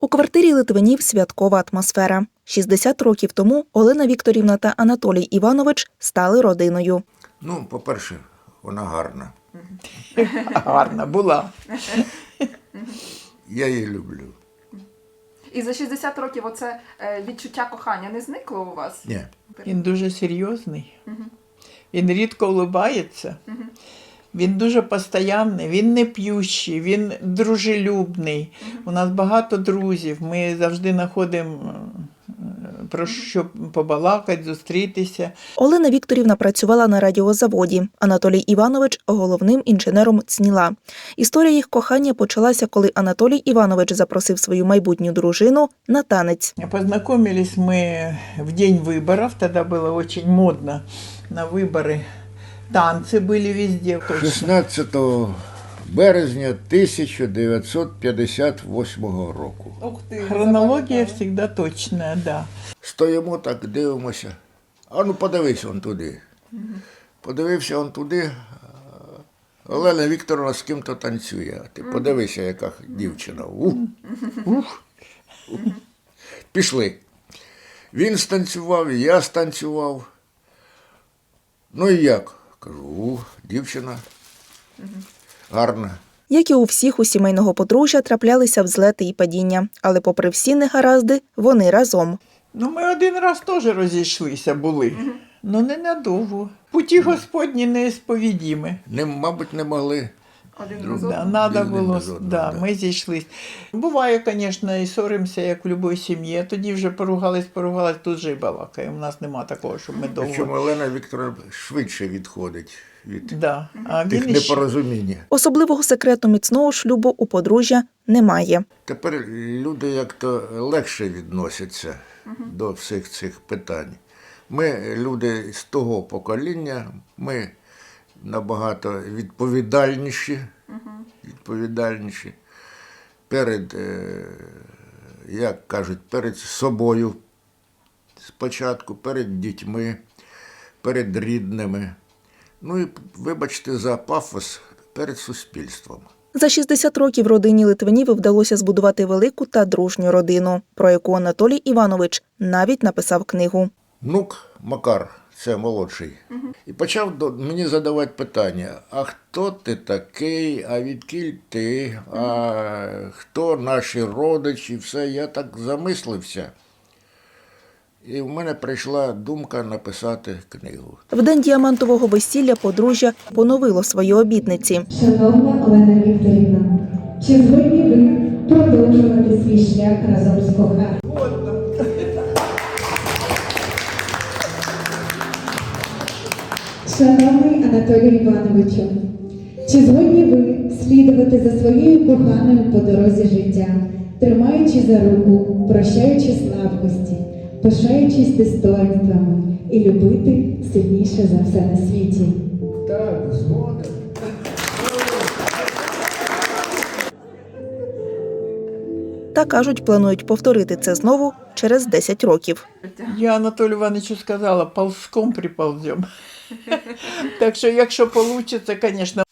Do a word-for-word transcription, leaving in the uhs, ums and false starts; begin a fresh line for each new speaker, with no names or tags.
У квартирі Литвинів святкова атмосфера. шістдесят років тому Олена Вікторівна та Анатолій Іванович стали родиною.
Ну, по-перше, вона гарна.
Гарна була.
Я її люблю.
І за шістдесят років оце е, відчуття кохання не зникло у вас?
Ні.
Він дуже серйозний. Він рідко улыбається. Він дуже постоянний, він не п'ющий, він дружелюбний. У нас багато друзів. Ми завжди знаходимо про що побалакати, зустрітися.
Олена Вікторівна працювала на радіозаводі. Анатолій Іванович – головним інженером ЦНІЛа. Історія їх кохання почалася, коли Анатолій Іванович запросив свою майбутню дружину на танець.
Познакомились мы в день выборов, тогда было очень модно на выборы. Танцы были везде.
шістнадцятого березня тисяча дев'ятсот п'ятдесят восьмого року.
Хронология всегда точная, да.
Стоїмо так, дивимося. А ну подивись он туди. Подивився он туди. Олена Вікторовна з ким-то танцює. Ти подивися, яка дівчина. Ух, ух, ух. Пішли. Він станцював, я станцював. Ну і як? Кажу, ух, дівчина гарна.
Як і у всіх у сімейного подружжя, траплялися взлети і падіння. Але попри всі негаразди, вони разом.
Ну, ми один раз теж розійшлися були. Ну, ненадовго. Путі Господні неісповідімі.
Не, мабуть, не могли.
Один
Друг-
раз
Да,
одного?
надо
Один
було,
без одного,
да,
да.
ми зійшлись. Буває, звісно, і соримося, як в будь-якій сім'ї. Тоді вже поругались, поругались, тут же і балакаємо. У нас нема такого, щоб ми довго.
Причому Олена Вікторовна швидше відходить від
Да. А
тих
він іще...
непорозуміння.
Особливого секрету міцного шлюбу у подружжя немає.
Тепер люди як-то легше відносяться до всіх цих питань. Ми, люди з того покоління, ми набагато відповідальніші, відповідальніші перед, е, як кажуть, перед собою спочатку, перед дітьми, перед рідними. Ну і, вибачте за пафос, перед суспільством.
За шістдесят років родині Литвинів вдалося збудувати велику та дружню родину, про яку Анатолій Іванович навіть написав книгу.
Внук Макар, це молодший, і почав до, мені задавати питання, а хто ти такий, а відкіль ти, а хто наші родичі, все. Я так замислився. І в мене прийшла думка написати книгу.
В день діамантового весілля подружжя поновило свої обітниці.
Шановна Олена Вікторівна, чи згодні ви продовжувати свій шлях разом з коханим? Шановний Анатолій Івановичу, чи згодні ви слідувати за своєю коханою по дорозі життя, тримаючи за руку, прощаючи слабкості, пишаючись достоинствами і любити сильніше за все на світі?
Так, згоден.
Та, кажуть, планують повторити це знову через десять років.
Я Анатолію Івановичу сказала, ползком приползем. Так що, якщо вийде, звісно,